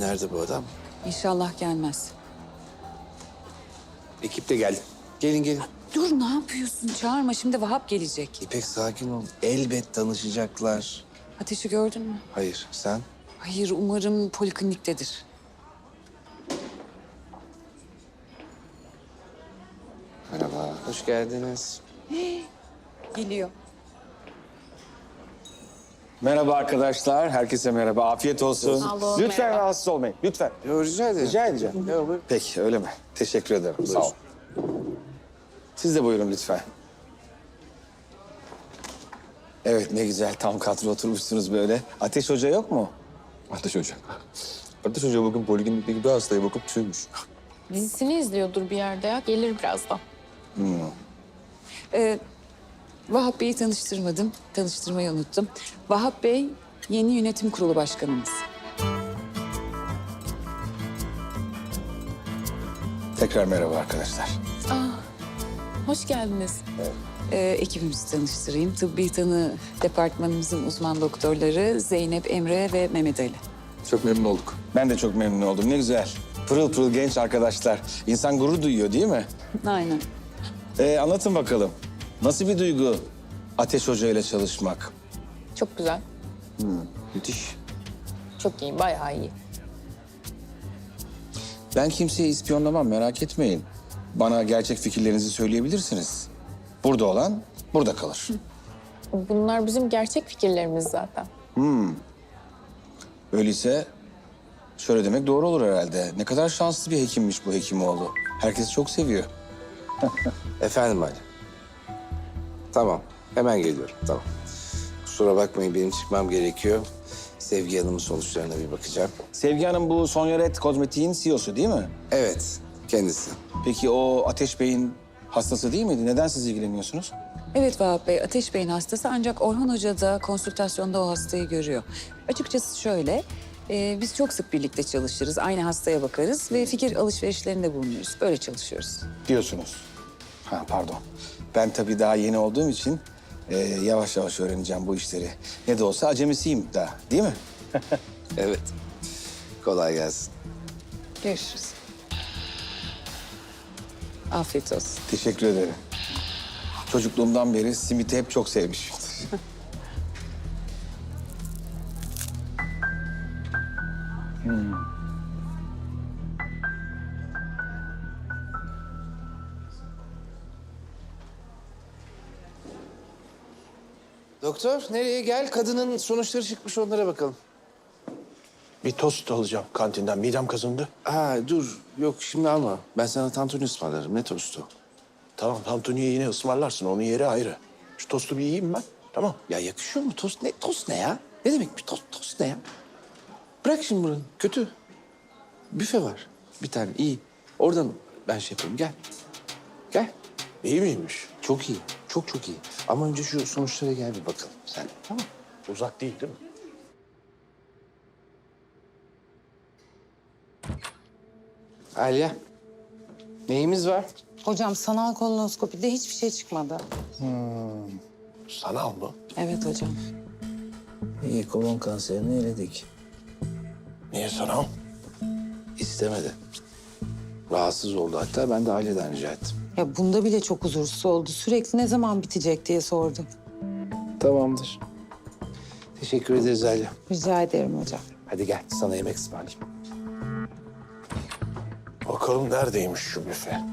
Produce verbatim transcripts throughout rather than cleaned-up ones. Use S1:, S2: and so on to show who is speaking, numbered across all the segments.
S1: nerede bu adam?
S2: İnşallah gelmez.
S1: Ekip de geldi. Gelin gelin.
S2: Dur, ne yapıyorsun? Çağırma, şimdi Vahap gelecek.
S1: İpek sakin ol. Elbet tanışacaklar.
S2: Ateşi gördün mü?
S1: Hayır sen?
S2: Hayır, umarım polikliniktedir.
S1: Merhaba. Hoş geldiniz.
S2: Geliyor.
S3: Merhaba arkadaşlar, herkese merhaba. Afiyet olsun.
S4: Sağ olun,
S3: Lütfen
S4: merhaba.
S3: rahatsız olmayın, lütfen.
S1: Yo, rica ederim.
S3: Rica edeceğim.
S1: Yo, buyurun.
S3: Peki, öyle mi? Teşekkür ederim, sağ ol. Siz de buyurun lütfen. Evet, ne güzel tam kadro oturmuşsunuz böyle. Ateş Hoca yok mu?
S5: Ateş Hoca. Ateş Hoca bugün poliklinikteki bir hastaya bakıp tüymüş.
S4: Dizisini izliyordur bir yerde ya. Gelir birazdan.
S2: Ee, Vahap Bey'i tanıştırmadım. Tanıştırmayı unuttum. Vahap Bey yeni yönetim kurulu başkanımız.
S3: Tekrar merhaba arkadaşlar.
S4: Hoş geldiniz.
S2: Ee, ekibimizi tanıştırayım. Tıbbi tanı departmanımızın uzman doktorları Zeynep, Emre ve Mehmet Ali.
S5: Çok memnun olduk.
S3: Ben de çok memnun oldum, ne güzel. Pırıl pırıl genç arkadaşlar. İnsan gurur duyuyor değil mi?
S2: Aynen.
S3: Ee, anlatın bakalım. Nasıl bir duygu Ateş Hoca ile çalışmak?
S4: Çok güzel.
S3: Müthiş.
S4: Çok iyi, bayağı iyi.
S3: Ben kimseyi ispiyonlamam, merak etmeyin. Bana gerçek fikirlerinizi söyleyebilirsiniz. Burada olan burada kalır.
S4: Bunlar bizim gerçek fikirlerimiz zaten.
S3: Öyleyse şöyle demek doğru olur herhalde. Ne kadar şanslı bir hekimmiş bu Hekimoğlu. Herkes çok seviyor.
S1: Efendim Ali. Tamam. Hemen geliyorum. Tamam. Kusura bakmayın benim çıkmam gerekiyor. Sevgi Hanım'ın sonuçlarına bir bakacağım.
S3: Sevgi Hanım bu Sonya Red Kozmetik'in C E O'su değil mi?
S1: Evet. Kendisi.
S3: Peki o Ateş Bey'in hastası değil miydi? Neden siz ilgileniyorsunuz?
S2: Evet Vahap Bey, Ateş Bey'in hastası ancak Orhan Hoca da konsültasyonda o hastayı görüyor. Açıkçası şöyle, e, biz çok sık birlikte çalışırız, aynı hastaya bakarız ve fikir alışverişlerinde bulunuruz. Böyle çalışıyoruz.
S3: Diyorsunuz. Ha pardon. Ben tabii daha yeni olduğum için e, yavaş yavaş öğreneceğim bu işleri. Ne de olsa acemisiyim daha, değil mi?
S1: Evet. Kolay gelsin.
S2: Görüşürüz. Afiyet olsun.
S3: Teşekkür ederim. Çocukluğumdan beri simiti hep çok sevmişimdir.
S1: Doktor nereye gel? Kadının sonuçları çıkmış onlara bakalım.
S6: Bir tost alacağım kantinden. Midem kazındı.
S1: Ha dur. Yok şimdi alma. Ben sana tantuni ısmarlarım. Ne tostu?
S6: Tamam, tantuniyi yine ısmarlarsın. Onun yeri ayrı. Şu tostu bir yiyeyim ben. Tamam.
S1: Ya yakışıyor mu? Tost ne? Tost ne ya? Ne demek bir tost? Tost ne ya? Bırak şimdi buranı. Kötü. Büfe var. Bir tane iyi. Oradan ben şey yapayım. Gel. Gel.
S6: İyi miymiş?
S1: Çok iyi. Çok çok iyi. Ama önce şu sonuçlara gel bir bakalım. Sen tamam.
S6: Uzak değil değil mi?
S1: Alya. Neyimiz var?
S7: Hocam sanal kolonoskopide hiçbir şey çıkmadı.
S6: Sanal mı?
S7: Evet hocam.
S1: İyi kolon kanserini eledik.
S6: Niye sanal?
S1: İstemedi. Rahatsız oldu hatta. Ben de aileden rica ettim.
S7: Ya bunda bile çok huzursuz oldu. Sürekli ne zaman bitecek diye sordu.
S1: Tamamdır. Teşekkür ederiz Alya.
S7: Rica ederim hocam.
S1: Hadi gel sana yemek ısmarlayayım.
S6: Bakalım neredeymiş şu büfe?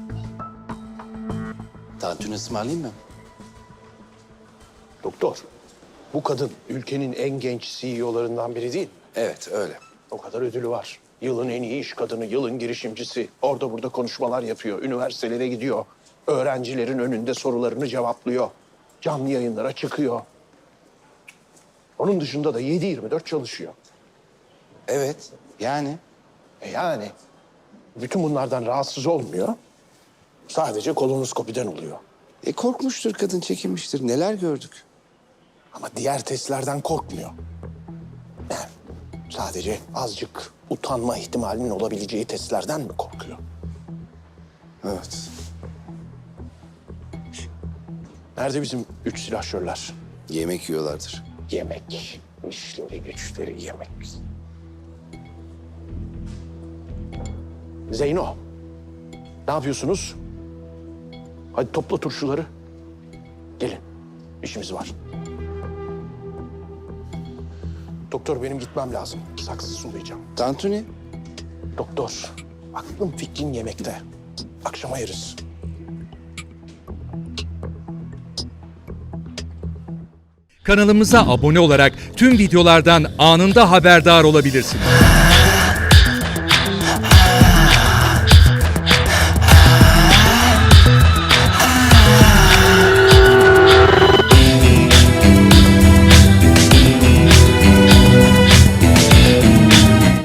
S1: Tantuni ısmarlayayım mı?
S6: Doktor, bu kadın ülkenin en genç C E O'larından biri değil mi?
S1: Evet öyle.
S6: O kadar ödülü var. Yılın en iyi iş kadını, yılın girişimcisi. Orada burada konuşmalar yapıyor, üniversitelere gidiyor. Öğrencilerin önünde sorularını cevaplıyor. Canlı yayınlara çıkıyor. Onun dışında da yedi yirmi dört çalışıyor.
S1: Evet yani.
S6: E yani bütün bunlardan rahatsız olmuyor. Sadece kolonoskopiden oluyor.
S1: E korkmuştur kadın, çekinmiştir. Neler gördük.
S6: Ama diğer testlerden korkmuyor. Yani sadece azıcık utanma ihtimalinin olabileceği testlerden mi korkuyor?
S1: Evet.
S6: Nerede bizim üç silahşörler?
S1: Yemek yiyorlardır.
S6: Yemek. İşleri güçleri yemek. Zeyno, ne yapıyorsunuz? Hadi topla turşuları. Gelin, işimiz var. Doktor benim gitmem lazım. Saksı sulayacağım.
S1: Tantuni.
S6: Doktor, aklım fikrin yemekte. Akşama yeriz.
S8: Kanalımıza abone olarak tüm videolardan anında haberdar olabilirsiniz.